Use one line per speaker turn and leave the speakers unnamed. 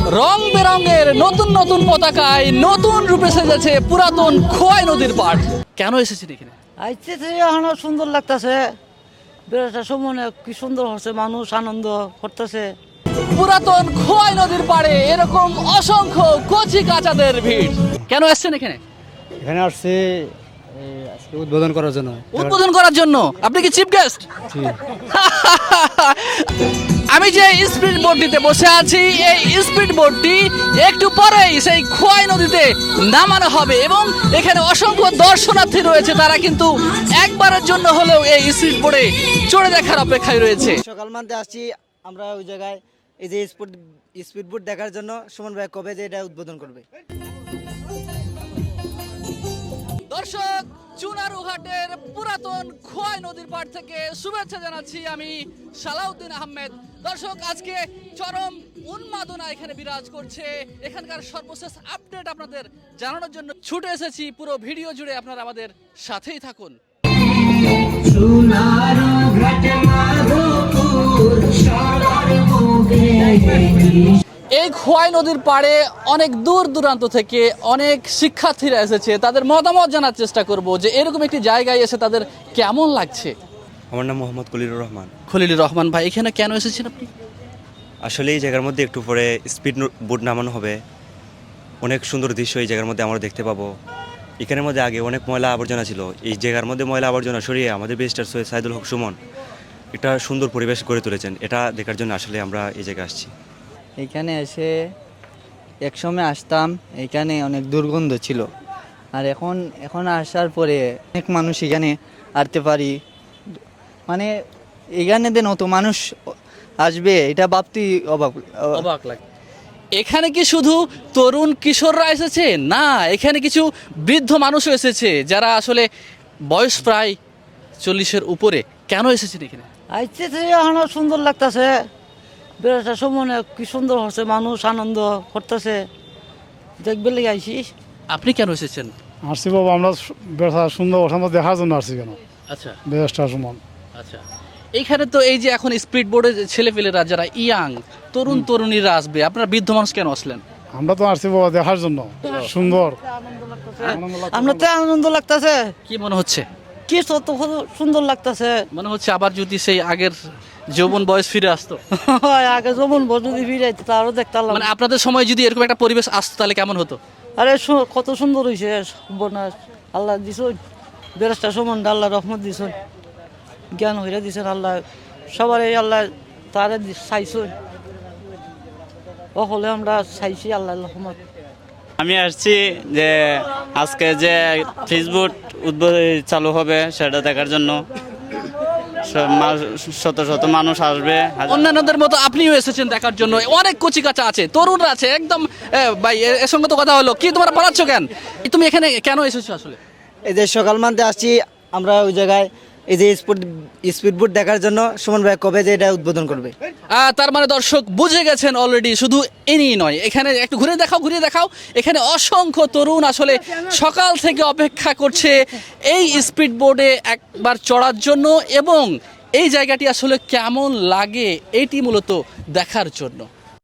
রং বেরঙের নতুন নতুন পতাকায় নতুন রূপে সেজেছে পুরাতন খোয়াই নদীর পাড়। কেন এসেছেন এখানে?
আইতে এখন সুন্দর লাগতেছে, বেড়াটা সময় কি সুন্দর হচ্ছে, মানুষ আনন্দ করতেছে।
পুরাতন খোয়াই নদীর পাড়ে এরকম অসংখ্য কচি কাচাদের ভিড়। কেন এসেছেন এখানে?
এখানে আসছে আজকে উদ্বোধন করার জন্য।
উদ্বোধন করার জন্য? আপনি কি চিফ গেস্ট? আমি যে স্পিড বোটটিতে বসে আছি, এই স্পিড বোটটি একটু পরেই সেই খোয়াই নদীতে নামানো হবে এবং এখানে অসংখ্য দর্শনার্থী রয়েছে, তারা কিন্তু একবারের জন্য হলেও এই স্পিড বোটে চড়ে দেখার অপেক্ষায় রয়েছে।
সকাল মানতে আসছি আমরা ওই জায়গায়, এই যে স্পিড বোট দেখার জন্য। সুমন ভাই কবে যে এটা উদ্বোধন করবে?
দর্শক, চুনারুঘাটের পুরাতন খোয়াই নদীর পাড় থেকে শুভেচ্ছা জানাচ্ছি আমি সালাউদ্দিন আহমেদ। দর্শক, আজকে চরম উন্মাদনা এখানে বিরাজ করছে। এখানকার সর্বশেষ আপডেট আপনাদের জানানোর জন্য ছুটে এসেছি। পুরো ভিডিও জুড়ে আপনারা আমাদের সাথেই থাকুন। এই খোয়াই নদীর পাড়ে অনেক দূর দূরান্ত থেকে অনেক শিক্ষার্থীরা এসেছে। তাদের মতামত জানার চেষ্টা করব যে এরকম একটি জায়গায় এসে তাদের কেমন লাগছে।
আমার নাম মোহাম্মদ খলিলুর রহমান।
খলিলুর রহমান ভাই, এখানে কেন এসেছেন আপনি?
আসলে এই জায়গার মধ্যে একটু পরে স্পিড বোট নামানো হবে। অনেক সুন্দর দৃশ্য এই জায়গার মধ্যে আমরা দেখতে পাবো। এখানের মধ্যে আগে অনেক ময়লা আবর্জনা ছিল। এই জায়গার মধ্যে ময়লা আবর্জনা সরিয়ে আমাদের ব্যারিস্টার সৈয়দ সাইদুল হক সুমন একটা সুন্দর পরিবেশ গড়ে তুলেছেন। এটা দেখার জন্য আসলে আমরা এই জায়গায় আসছি।
এখানে এসে একসময় আসতাম, এখানে অনেক দুর্গন্ধ ছিল, আর এখন আসার পরে অনেক মানুষ এখানে আসতে পারি। মানে এখানে দেন অত মানুষ আসবে এটা ভাবতেই
অবাক লাগে। এখানে কি শুধু তরুণ কিশোররা এসেছে? না, এখানে কিছু বৃদ্ধ মানুষও এসেছে যারা আসলে বয়স প্রায় 40-এর উপরে। কেন এসেছেন এখানে?
আইতে এখন সুন্দর লাগতেছে, বেড়াটা সময় কি সুন্দর হচ্ছে, মানুষ আনন্দ করতেছে, দেখবে লেগে আইসি।
আপনি কেন এসেছেন?
আসছি বাবা, আমরা ব্যবসা সুন্দর ওঠানো দেখার জন্য আসছি। কেন?
আচ্ছা
বেশটা সমান।
আচ্ছা, এইখানে তো এই যে এখন স্পিড বোর্ডে ছেলেপেলেরা যারা ইয়াং তরুণ তরুণীরা আসবে, আপনারা বৃদ্ধ মানুষ কেন আসলেন?
আমরা তো আসছি বাবা দেখার জন্য, সুন্দর
আমরা তো আনন্দ লাগতেছে।
কি মনে হচ্ছে?
কি তো সুন্দর লাগতেছে,
মনে হচ্ছে আবার যদি সেই আগের যৌবন বয়স ফিরে আসতো।
আগে যেমন যদি ফিরাইতে তারও দেখতাম।
মানে আপনাদের সময় যদি এরকম একটা পরিবেশ আসতো তাহলে কেমন হতো?
আরে কত সুন্দর হয়েছে বনাস, আল্লাহ দিছুন বেরেস্তা সমান, আল্লাহ রহমত দিছুন, জ্ঞান হইরা দিছেন আল্লাহ সবারই, আল্লাহ তারে চাইছুন, হলে আমরা চাইছি আল্লাহ রহমত।
আমি আসছি যে আজকে যে ফেসবুক উদ্বোধন চালু হবে সেটা দেখার জন্য। শত শত মানুষ আসবে।
অন্যান্যদের মতো আপনিও এসেছেন দেখার জন্য। অনেক কচিকাচা আছে, তরুণরা আছে একদম। ভাই, এর সঙ্গে তো কথা হলো, কি তোমরা পালাচ্ছ কেন? তুমি এখানে কেন এসেছো আসলে?
এই যে সকাল মানতে আসছি আমরা ওই জায়গায়, এই যে স্পিড বোট দেখার জন্য। সুমন ভাই কবে যে এটা উদ্বোধন করবে?
তার মানে দর্শক বুঝে গেছেন অলরেডি। শুধু এনেই নয়, এখানে একটু ঘুরে দেখাও। এখানে অসংখ্য তরুণ আসলে সকাল থেকে অপেক্ষা করছে এই স্পিড বোর্ডে একবার চড়ার জন্য এবং এই জায়গাটি আসলে কেমন লাগে এটি মূলত দেখার জন্য।